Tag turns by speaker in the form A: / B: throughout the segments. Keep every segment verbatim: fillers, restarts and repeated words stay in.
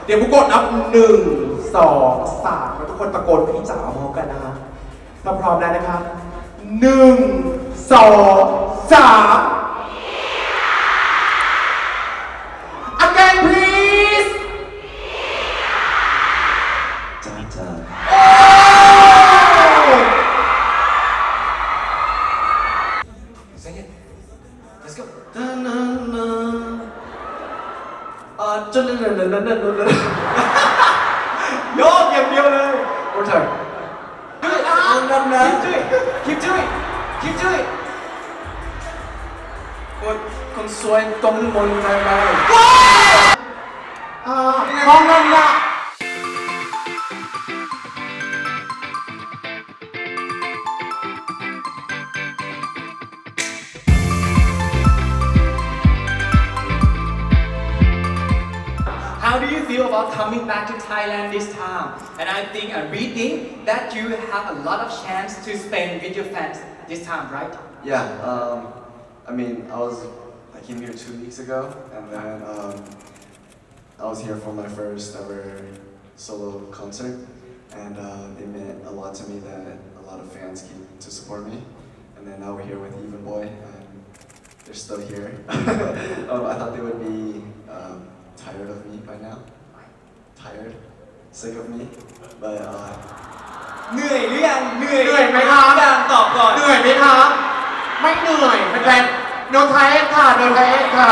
A: เดี๋ยวบุกกดนับหนึ่งสองสามแล้วทุกคนตะโกนพี่จ๋าพร้อมกันนะฮะถ้าพร้อมแล้วนะครับหนึ่งสองสาม again please
B: จ้าจ้า
C: Sing it. Let's go.
B: อ่าจนนั่นนั่นนั่นนั่นนั่น
C: โยกอย่างเดียวเลย
B: One time.
C: Do it.
B: นั่นนะ
C: Keep doing. Keep doing. Keep doing.
B: คนคนสวยตรงบนไปไป
A: อ่าห้องนั่นละ
C: How do you feel about coming back to Thailand this time? And I think and we think that you have a lot of chance to spend with your fans this time, right?
B: Yeah, um, I mean, I was, I came here two weeks ago, and then um, I was here for my first ever solo concert, and uh, it meant a lot to me that a lot of fans came to support me, and then now we're here with Even Boy, and they're still here. um, I thought they would be um, tired of me by now, tired, sick of me, but uh,
C: เหนื่อยหรือยังเหนื่อย
A: เหนื่อยไหมคะ
C: ยังตอบก่อน
A: เหนื่อยไหมคะไม่เหนื่อยเป็นแฟนโนไทเอสค่ะโนไทเอสค่ะ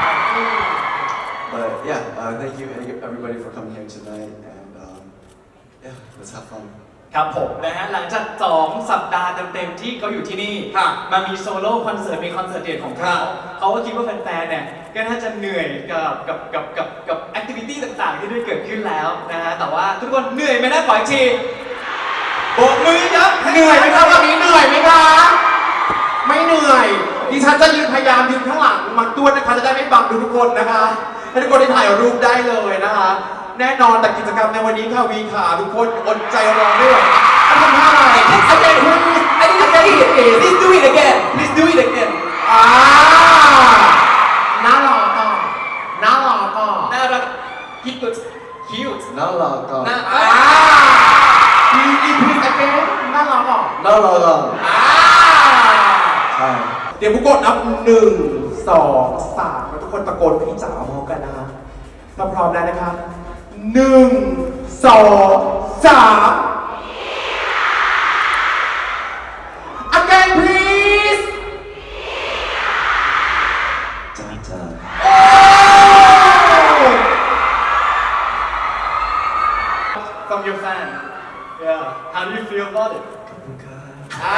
B: but yeah, uh, thank you everybody for coming here tonight, and um, yeah, let's have fun.
C: ครับผมนะฮะหลังจากสองสัปดาห์เต็มๆที่เขาอยู่ที่นี่
A: ค่ะ
C: มามีโซโล่คอนเสิร์ตมีคอนเสิร์ตเดี่ยวของเขา
A: ค่ะ
C: เขาก็คิดว่าแฟนๆเนี่ยก็น่าจะเหนื่อยกับกับกับกับกับแอคทิวิตี้ต่างๆ ที่ได้เกิดขึ้นแล้วนะฮะแต่ว่าทุกคนเหนื่อยไหมนะขออีกทีโบกมือยับ
A: เหนื่อยไหมคะวันนี้เหนื่อยไหมคะไม่เหนื่อยดิฉันจะยืนพยายามยืนข้างหลังมันตัวนะคะจะได้ไม่บังดูทุกคนนะคะให้ทุกคนได้ถ่ายรูปได้เลยนะคะแน่นอนแต่กิจกรรมในวันนี้ค่ะวีขาทุกคนอดใจรอไม่ไหวทำท่าอะไร
C: Again please I need to say it please do it again please do it again
A: อ่าน่ารอก่อนน่ารอก่อน
C: น่ารัก cute cute
B: Not a lot,
C: น่า
A: อ่าพีพีพีสเกนน่ารอก่อน
B: not a lot,
A: อ่า
B: Hi.
A: เดี๋ยวบุกกดนับหนึ่งสองสามแล้วทุกคนตะโกนพี่จ๋าพร้อมกันนะฮะถ้าพร้อมแล้วนะครับหนึ่งสองสาม again please
B: จ้าจ้า
C: from your fan yeah how do you feel about it
B: ขอบคุณครับ
A: อ่า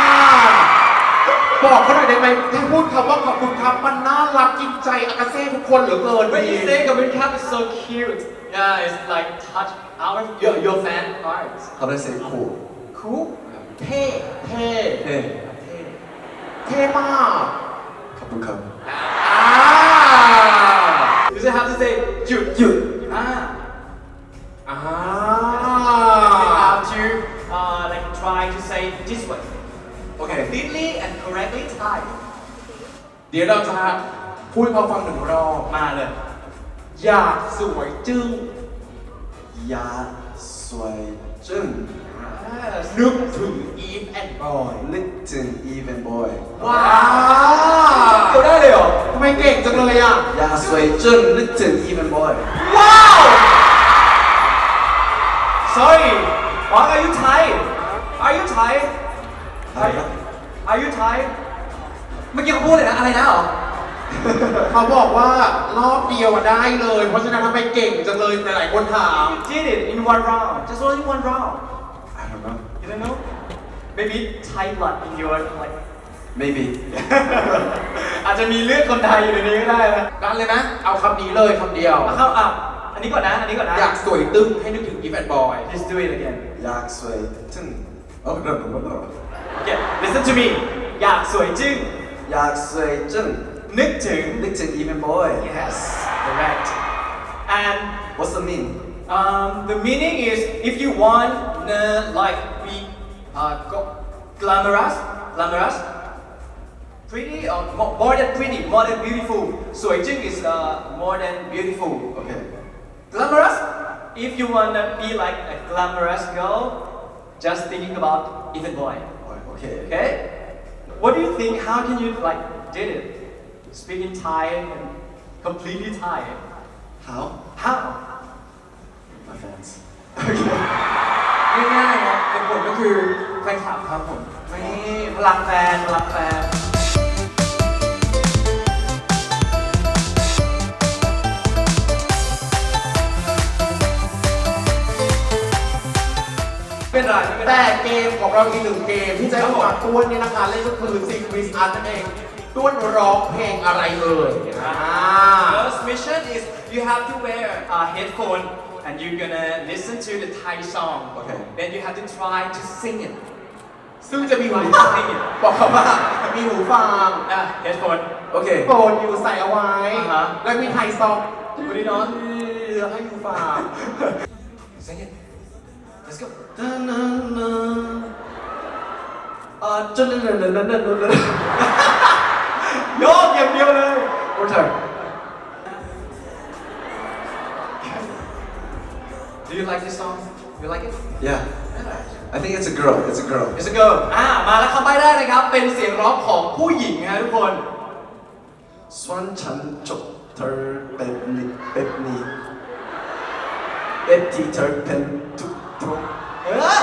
A: บอกเขาหน่อยได้ไหมให้พูดคำว่าขอบคุณครับมันน่ารักจริงใจอากาเซ่ทุกคนเหลือเกิน
C: When you say Gavin Cap is so cute, yeah, it's like touch our your your fan heart.
B: How do I say cool?
C: Cool, เท่
A: เท่
B: Hey.
C: เท่
A: เท่มาก
B: ขอบคุณครับ
A: อ่า
C: You just have to say หยุด
B: หยุด
C: อ่า
A: อ่า
C: You have to uh, like try to say this way.
B: Okay.
C: Completely and correctly Thai.
A: เดี๋ยวเราจะพูดให้เขาฟังหนึ่งรอบ
C: มาเลย
A: อยากสวยจึ้ง
B: ยาสวยจึ้ง
C: Yes.
A: นึกถึง Eve and Boy
B: นึกถึง Even Boy
A: ว้า
C: เกี่ยวได้เลยเหรอ
A: ทำไมเก่งจังเลยอ่ะ
B: ยาสวยจึ้งนึกถึง Even Boy
C: Wow! Sorry, Mark, are you Thai? Are you Thai?
B: อะไรครับ
C: Are you Thai? เมื่อกี้เขาพูดเลยนะอะไรนะเหรอ
A: เขาบอกว่ารอบเดียวอะได้เลย เพราะฉะนั้นทำไมเก่งจังเลยหลายๆคนถาม
C: You did it in one round. Just only one round.
B: I don't know
C: You don't know? Maybe Thai blood in your like.
B: maybe
C: อาจจะมีเลือดคนไทยอยู่ในนี้ก็ได้นะ
A: นั่นเลยนะ เอาคำนี้เลยคำเดียว
C: เอาเข้าอ่ะอันนี้ก่อนนะ อันนี้ก่อนนะ
A: อยากสวยตึ้งให้นึกถึง Eve and Boy
C: Just do it again.
B: อยากสวยจึ้ง Oh no no no no
C: Okay, listen to me. อยากสวยจึ้ง
B: อยากสวยจึ้ง
C: นึกถึง
B: นึกถึง Even Boy
C: Yes, correct. And
B: What's the mean
C: um, the meaning is if you want uh, like be uh, go- glamorous, glamorous, pretty or more, more than pretty, more than beautiful. สวยจึ้ง is uh, more than beautiful.
B: Okay
C: Glamorous if you wanna be like a glamorous girl, just thinking about Ethan Boy.
B: Okay.
C: Okay? What do you think? How can you like did it? Speak in Thai and completely Thai.
B: How?
C: How?
B: My fans.
C: ง่ายๆนะเป็นผลก็คือแฟนคลับครับผมนี่พลังแฟนพลังแฟนเป็นไรไม่เป็นไร
A: แต่เกมของเราอีกหนึ่งเกมที่จะให้ฝากต้วนเนี่ยนะคะเล่นก็คือซิงควิสอาร์ตนั่นเองต้วนร้องเพลงอะไรเอ่ยอ่า
C: First mission is you have to wear a headphone and you're gonna listen to the Thai song.
B: Okay.
C: Then you have to try to sing it.
A: ซึ่งจะมีหูฟังบอกเขาว่ามีหูฟัง
C: Ah, headphone.
B: Okay.
A: โฟนอยู่ใส่เอาไว้
C: อ่าฮะ
A: แล้วมีไทยซอง
C: Put it on.
A: ให้หูฟัง
C: Sing it. Let's go.
B: อ่าจนนั่นนั่นนั่นนั่นนั่น
C: โยกอย่างเดียวเลย
B: One time.
C: Do you like this song? You like it?
B: Yeah. I think it's a girl. It's a girl.
C: It's a girl. อ่ามาแล้วคำใบ้ได้นะครับ เป็นเสียงร้องของผู้หญิงนะทุกคน
B: สวนฉันจบเธอเป็นนิเป็นนีเป็นที่เธอเป็นทุกทุก
C: เออ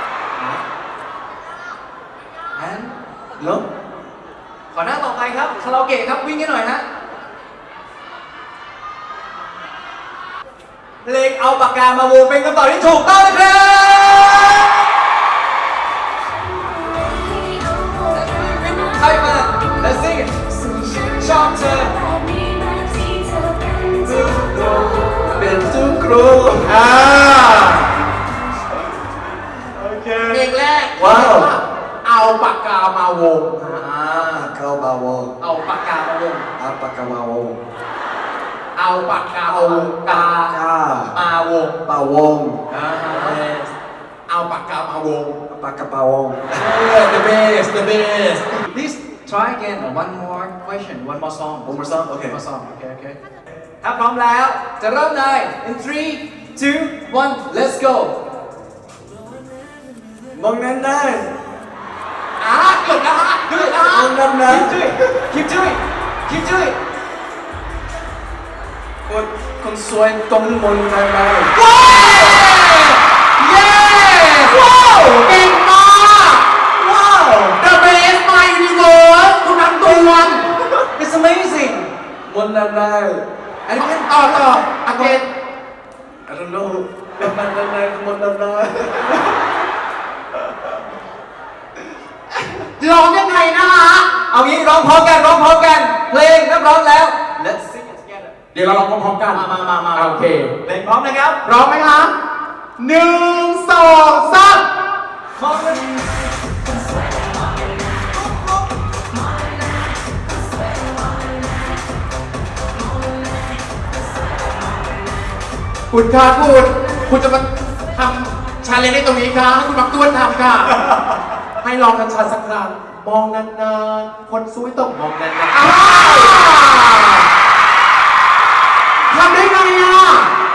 C: and
B: no
C: ขอหน้าต่อไปครับคาราโอเกะครับวิ่งให้หน่อยฮะเพลงเอาปากกามาวงเป็นคำตอบที่ถูกต้องนะครับใครมา Let's sing it ชอบเธอ
B: เป็นทุกครู
A: อ่า
C: โอเค
A: เพลงแรก
B: ว้าว
A: เอาปากกามาวงฮะ
C: อ่า
B: เข้าบาวง
C: เอาปากกามาวง
B: อาปากกามาวง
A: เอาปากกามาวงกา
B: ก้าม
C: าวง
B: ปาวง
C: อ่า
A: เอาปากกามาวง
B: ปากกาปาวง
A: the best the best
C: Please try again one more question one more song
B: One more song? Okay.
C: one more song okay okay ถ้าพร้อมแล้วจะเริ่มใน in three two one let's go
B: มองนั้นได้
A: อ่าเกือบแล้วฮะเกือบแล้ว
B: ม
A: ฮะ
B: องนั้นนะ
C: keep doing keep doing
B: คนคนสวยต้องมองนั้นได้
A: เย้ว้าวเก่งมากว้าว the best my universe คุณนักตวน
C: it's amazing
B: มองนั้นได้
C: and again
A: ต่อต่อ again
B: I don't know มองนั้นได้มองนั้นได้
A: ร้องยังไงนะฮะ
C: เอางี้ร้องพร้อมกันร้องพร้อมกันเพลงถ้าพร้อมแล้ว let's sing it together
A: เดี๋ยวเราลองพร้อมๆกัน
C: มามามามา
A: โอเค
C: เพลงพร้อมนะครับ
A: พร้อมไหมคะหนึ่งสองสาม
C: พร้อมกัน
A: คุณคะคุณ คุณจะมาทำชาเลนจ์ในตรงนี้คะให้คุณมักต้วนทำค่ะ ให้ลองกันชัดสักครั้งมองนานๆ คนสวยต้องมองนานๆอ้าวทำได้ไงอ่ะ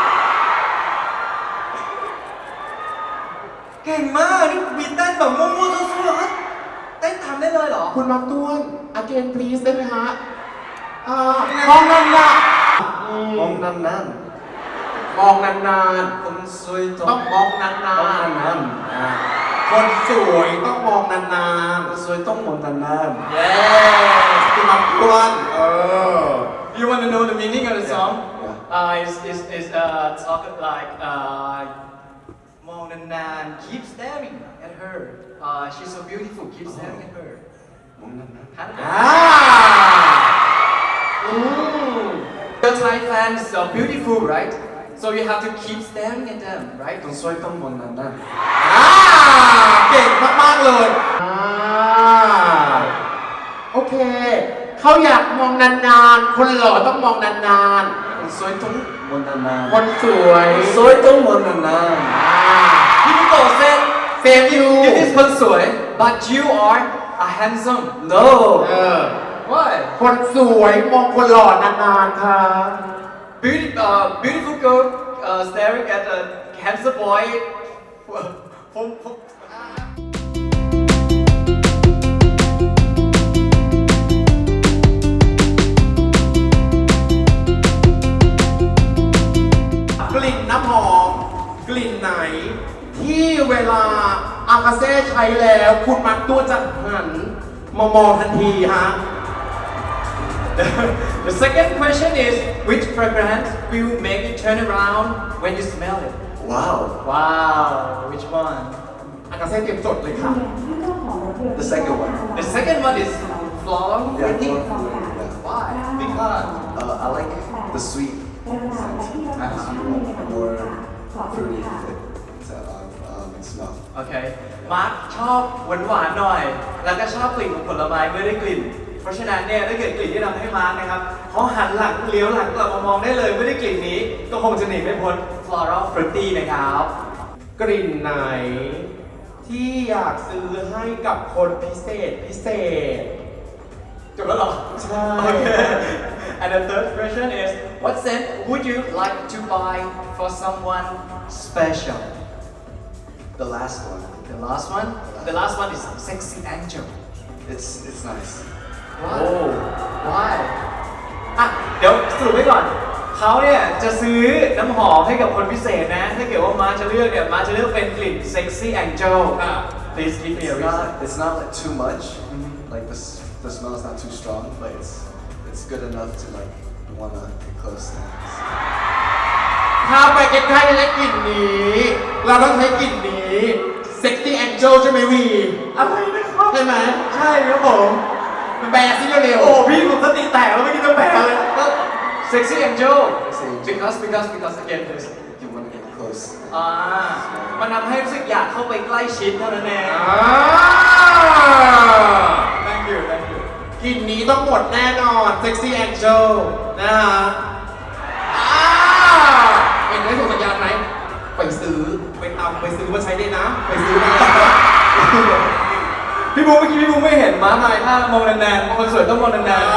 C: เก่งมากนี่มีเต้นแบบมั่วๆซั่วๆเต้นทำได้เลยเหรอ
A: คุณมักต้วน again please ได้ไหมฮะอ่ามองนานๆอืม
B: มองนั้นนั้น
A: มองนาน
B: คนสวย
A: ๆ
B: ต้
A: ต้
B: อ
A: อง งมองนาน
B: มองนั้นนั้น
A: ๆอ่าคนสวยต้องมองนาน
B: คนสวยต้องมองนั้นนั้น
A: ๆ เย้คุณมักต้วนเออ
C: You want to know the meaning of the song?
B: Yeah.
C: Uh, is is is uh talk like uh, มองนานๆ keep staring at her. Uh, she's so beautiful. Keep staring at her.
B: มองนั้นนั้น
C: ฮะ
A: อ่าอืม
C: The Thai fans are beautiful, right? So you have to keep staring at them, right?
B: คนสวยต้องมองนั้นนั้น
A: อ่าเก่งมากๆเลยอ่าโอเค เขาอยากมองนานๆ คนหล่อต้องมองนาน
B: คนสวยต้องมองนั้นนั้น
A: ๆ คนสวย
B: คนสวยต้องมองนั้นนั้น
A: อ่า
C: People said
A: เซฟยู
C: you is คนสวย but you are a handsome.
B: no
A: เออ
C: Why?
A: คนสวยมองคนหล่อนานๆ ค่ะ
C: Beauty, uh, beautiful girl uh, staring at a handsome boy from, from
A: กลิ่นน้ำหอมกลิ่นไหน ที่เวลาอากาเซ่ใช้แล้วคุณมักตัวจะหันมามองทันทีฮะ
C: The second question is, which fragrance will make you turn around when you smell it?
B: Wow.
C: Wow, which one?
A: อากาเซ่เตรียมจดเลยค่ะ
B: The second one.
C: The second one is floral
B: Yeah,
C: fruity.
B: more familiar, yeah.
C: Why? Because
B: Uh, I like the sweet scent. More fruity uh, um, smell.
C: โอเค มาร์คชอบหวานหวานๆหน่อย แล้วก็ชอบกลิ่นของผลไม้เมื่อได้กลิ่น เพราะฉะนั้นเนี่ยถ้าเกิดกลิ่นที่ทำให้มาร์คนะครับเขาหันหลังเลี้ยวหลังกลับมามองได้เลยเมื่อได้กลิ่นนี้ ก็คงจะหนีไม่พ้น floral fruity นะครับ
A: กลิ่นไหน ที่อยากซื้อให้กับคนพิเศษพิเศษ
C: จบแล้วเหรอ
A: ใช่
C: Okay. And the third question is, what scent would you like to buy for someone special?
B: The last one.
C: The last one? The last one is sexy angel.
B: It's it's nice.
C: Oh, why? อ่ะเดี๋ยวสรุปไว้ก่อน เขาเนี่ยจะซื้อน้ำหอมให้กับคนพิเศษนะ ถ้าเกิดว่ามาจะเลือกเนี่ยมาจะเลือกเป็นกลิ่น sexy angel อ่ะ Please give me a
B: It's
C: reason.
B: not it's not like too much. Like the s- the smell is not too strong, but it's it's good enough to like wanna get close to it.
A: ถ้าไปใกล้ๆและกลิ่นนี้ เราต้องใช้กลิ่นนี้ Sexy Angel ใช่ไหมวี
C: อะไรนะครับ
A: ใช่ไหม
C: ใช่ครับผม
A: แบร์ซิเร็ว
C: โอ้พี่ผมสติแตกแล้วไม่อกี้จะแปลเลยก็ sexy angel
B: Sexy angel.
C: because because because again please
B: You wanna get close.
C: อ่ามันทำให้รู้สึกอยากเข้าไปใกล้ชิดเท่านั้นเอง
A: อ่า
C: thank you thank you
A: กลิ่นนี้ต้องหมดแน่นอน Sexy Angel นะฮะอ่าเห็นได้ส่งสัญญาณไหมไปซื้อไปตามไปซื้อมาใช้ได้นะ ไปซื้อมา
C: พี่บูเมื่อกี้พี่บูไม่เห็นม้าทายถ้ามองนานๆคนสวยต้องมองนาน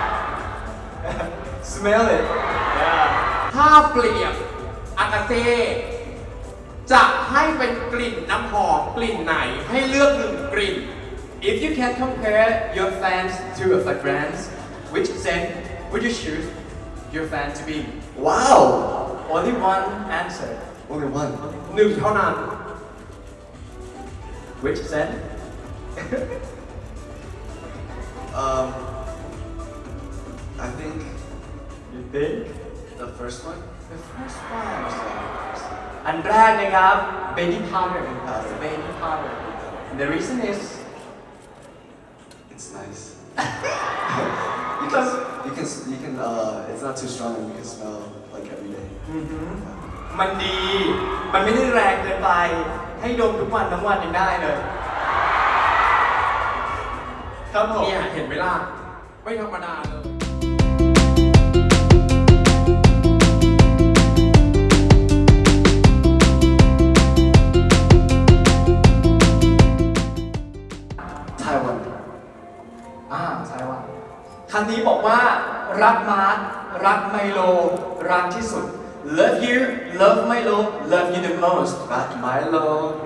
C: ๆ smell it yeah
A: ถ้าเปรียบอากาเซ่จะให้เป็นกลิ่นน้ำหอมกลิ่นไหนให้เลือกหนึ่งกลิ่น
C: if you can compare your fans to a fragrance which scent would you choose your fan to be
B: Wow.
C: only one answer
B: Only one.
A: หนึ่งเท่านั้น
C: which scent
B: Um. I think
C: you think
B: the first one.
C: the first one
B: First one.
C: อันแรกนะครับ baby powder
B: Powder.
C: baby powder the reason is
B: It's nice. you can you can you can uh it's not too strong and you can smell like every day.
C: มันดี มันไม่ได้แรงเกินไป ให้ดมทุกวันทั้งวันยังได้เลย ครับผม
A: เนี่ยเห็นไหมล่ะ ไม่ธรรมดาเลย
B: Taiwan.
C: อ่าใช่ว่าคำนี้บอกว่ารักมาร์ครักไมโล รักที่สุด love you love Milo love you the most
B: Not Milo.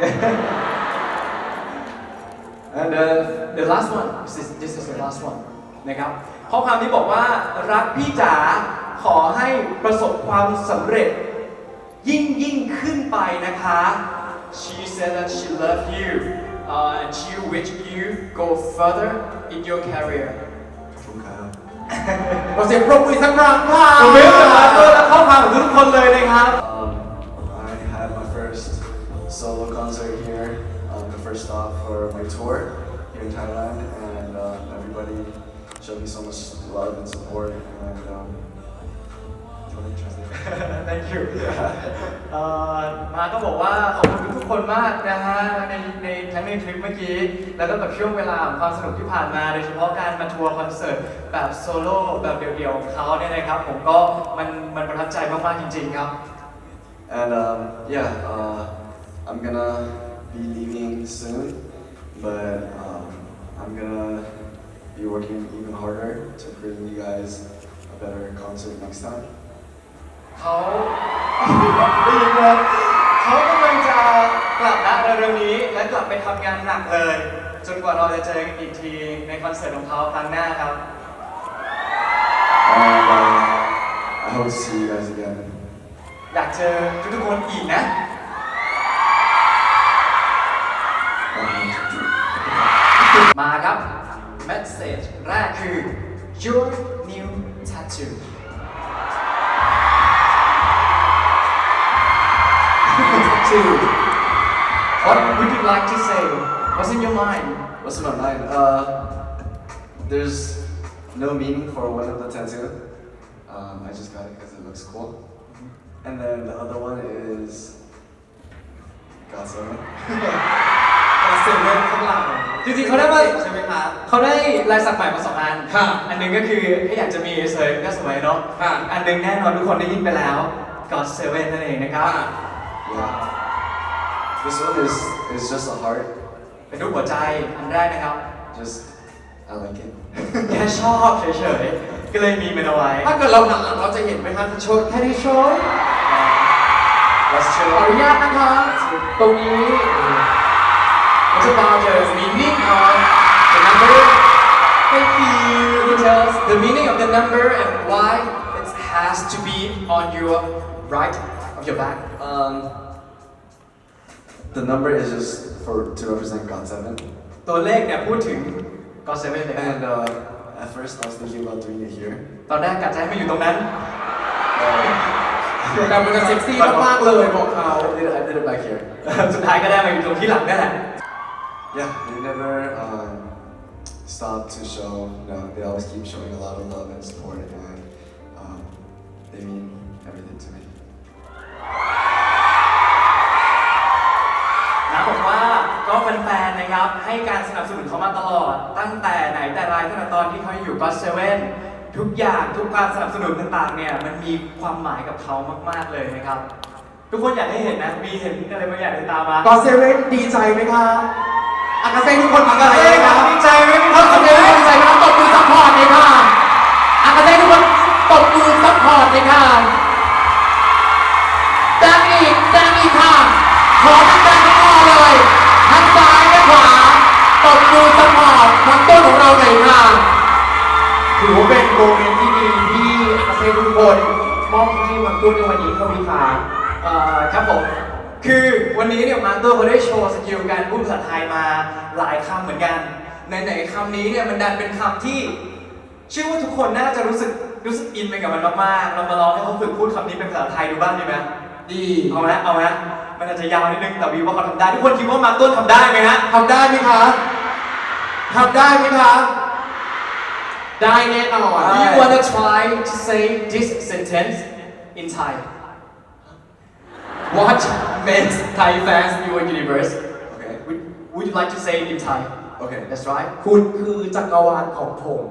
C: and the the last one this is this is the last one นะครับข้อความนี้บอกว่ารักพี่จ๋าขอให้ประสบความสำเร็จ ยิ่งยิ่งขึ้นไปนะคะ she said that she loved you uh, and she wish you go further in your career
B: Okay.
A: เราเสียงปรบมือสักครั้งค่ะ
C: ผมไม่รู้จะมาตัวและข้อความของทุกคนเลยนะครับ
B: Um, I had my first solo concert here, um, the first stop for my tour here in Thailand, and um, everybody showed me so much love and support. And um, do you want to translate?
C: thank you เอ่อมาก็บอกว่าขอบคุณทุกคนมากนะฮะในในทั้งในทริปเมื่อกี้ แล้วก็กับช่วงเวลาของความสนุกที่ผ่านมา โดยเฉพาะการมาทัวร์คอนเสิร์ตแบบโซโล่แบบเดี่ยวๆของเขาเนี่ยนะครับ ผมก็มันมันประทับใจมากๆจริงๆครับ
B: And um, yeah, uh, I'm gonna be leaving soon, but um, I'm gonna be working even harder to bring you guys a better concert next time.
C: เขาได้ยินไหมเขากำลังจะกลับนะเร็วๆนี้และกลับไปทำงานหนักเลย จนกว่าเราจะเจอกันอีกทีในคอนเสิร์ตของเขาครั้งหน้าครับ
B: And uh, I hope to see you guys again.
C: อยากเจอทุกๆคนอีกนะ มาครับ เมสเซจแรกคือ your new tattoo tattoo what would you like to say what's in your mind
B: What's in my mind? Uh, there's no meaning for one of the tattoo. Um, I just got it because it looks cool. And then the other one is Godzilla.
A: กาเซเว่นข้างหลัง
C: จริงๆเขาได้มา
A: ใช่ไหมคะ
C: เขาได้ลายสักใหม่มาสองอัน
A: ค่ะ
C: อันหนึงก็คือถ้าอยากจะมีเฉยๆก็สวยเนาะ
A: ค่ะ
C: อีกอันหนึงแน่นอนทุกคนได้ยินไปแล้ว God Seven นั่นเองนะครับ
B: Yeah. This one is is just a heart.
C: เป็นรูปหัวใจอันแรกนะครับ
B: Just I like it.
C: แค่ชอบเฉยๆ ก็เลยมีมันเอาไว้
A: ถ้าเกิดเราหันหลังเราจะเห็นไหมคะจะโชว์แค่ได้โชว์
C: Let's
A: ข
C: show
A: ออนุญาตนะคะ ตรงนี้
C: It's about the meaning of the number
A: Thank you
C: It tells the meaning of the number and why it has to be on your right of your back
B: Um, the number is just for to represent God Seven.
C: ตัวเลขเนี่ยพูดถึง God Seven เลยครับ
B: And uh, at first I was thinking about doing it here.
C: ตอนแรกกะจะให้มาอยู่ตรงนั้น
A: แต่มันจะเซ็กซี่มากๆเลยบอกเขา
B: I did, I did it back here.
C: สุดท้ายก็ได้มาอยู่ตรงที่หลังนั่นแหละ
B: Yeah, they never um, stop to show. You know, they always keep showing a lot of love and support, and um, they mean everything to me.
C: นะบอกว่าก็แฟนๆนะครับให้การสนับสนุนเขามาตลอด ตั้งแต่ไหนแต่ไรตั้งแต่ตอนที่เขาอยู่ God Seven ทุกอย่างทุกการสนับสนุนต่างๆเนี่ยมันมีความหมายกับเขามากๆเลยนะครับ ทุกคนอยากให้เห็นนะมีเห็นอะไรบางอย่างในตามมา
A: ก็เซเว่นดีใจไหมคะอากาเซ่ทุกคนดีใจไหมคะ
C: ดีใจไหมค
A: ถ้า
C: รับ
A: เซเว่นดีใจไหมคะตบมือซัพพอร์ตเลยค่ะอากาเซ่ทุกคนตบมือซัพพอร์ตเลยค่ะดังอีกดังอีกค่ะขอดังๆทั้งคอเลยทั้งซ้ายและขวาตบมือซัพพอร์ตทั้งต้นของเราหน่อยค่ะถือว่าเป็นโมเมนต์ที่ดีที่อากาเซ่ทุกคนมอบให้มันตุ้นในวันนี้ครับพี่ขา
C: เอ่อครับผมคือวันนี้เนี่ยมาร์คตัวเขาได้โชว์สกิลการพูดภาษาไทยมาหลายคำเหมือนกันในไหนๆคำนี้เนี่ยมันดันเป็นคำที่เชื่อว่าทุกคนน่าจะรู้สึกรู้สึกอินไปกับมันมากๆเรามาลองให้เขาฝึกพูดคำนี้เป็นภาษาไทยดูบ้างดีไหม
A: ดี
C: เอาไหมเอาไหมมันอาจจะยาวนิดนึงแต่วิวว่าเขาทำได้ทุกคนคิดว่ามาร์คต้นทำได้ไหมฮะ
A: ทำได้ไหมคะทำได้ไหมคะได้แน่นอน
C: Do you wanna try to say this sentence in Thai What makes Thai fans your universe
B: Okay.
C: Would, would you like to say it in Thai
B: Okay.
C: That's right
A: คุณคือจักรวาลของผม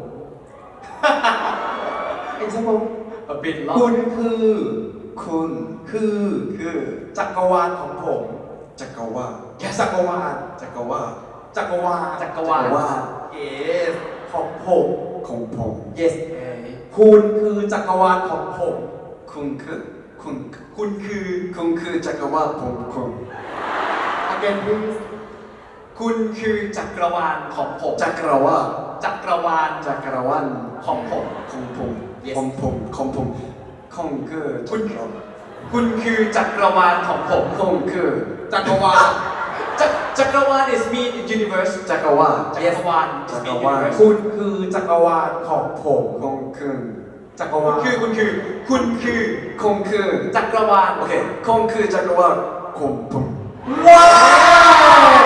A: เอ็นใช่ไหม
C: A bit
A: คุ
C: long
A: ณคือ
B: Kun
A: คือ
B: คือ
A: จักรวาลของผม
B: จักรวาล
A: แค่จักรวาล
B: จักรวาล
A: จักรวาล
C: จักรวาล
A: yes ของผม
B: ของผม
A: yes คุณคือจักรวาลของผม
B: คุณคือคุณ
C: คุณคือ
B: คุณคือจักรวาลผมคุณ
A: again please
C: คุณคือจักรวาลของผม
B: จักรวาล
C: จักรวาล
B: จักรวาล
C: ของผม
B: ของผม
C: Yes
B: ของผมของผมของคือ
C: คุณ คุณคือจักรวาลของผม
B: ของคือ
A: จักรวาล
C: จักจักรวาล is mean universe
B: จักรวาล
C: จักรวาล is
B: จักร
C: mean
B: วาล
C: universe
A: คุณคือจักรวาลของผม
B: ของคือ
A: จักรวาล
C: คือคุณคือ คุณคือ
B: ของคือ
C: จักรวาล
B: โอเคของคือจักรวาลของผม
A: ว้าว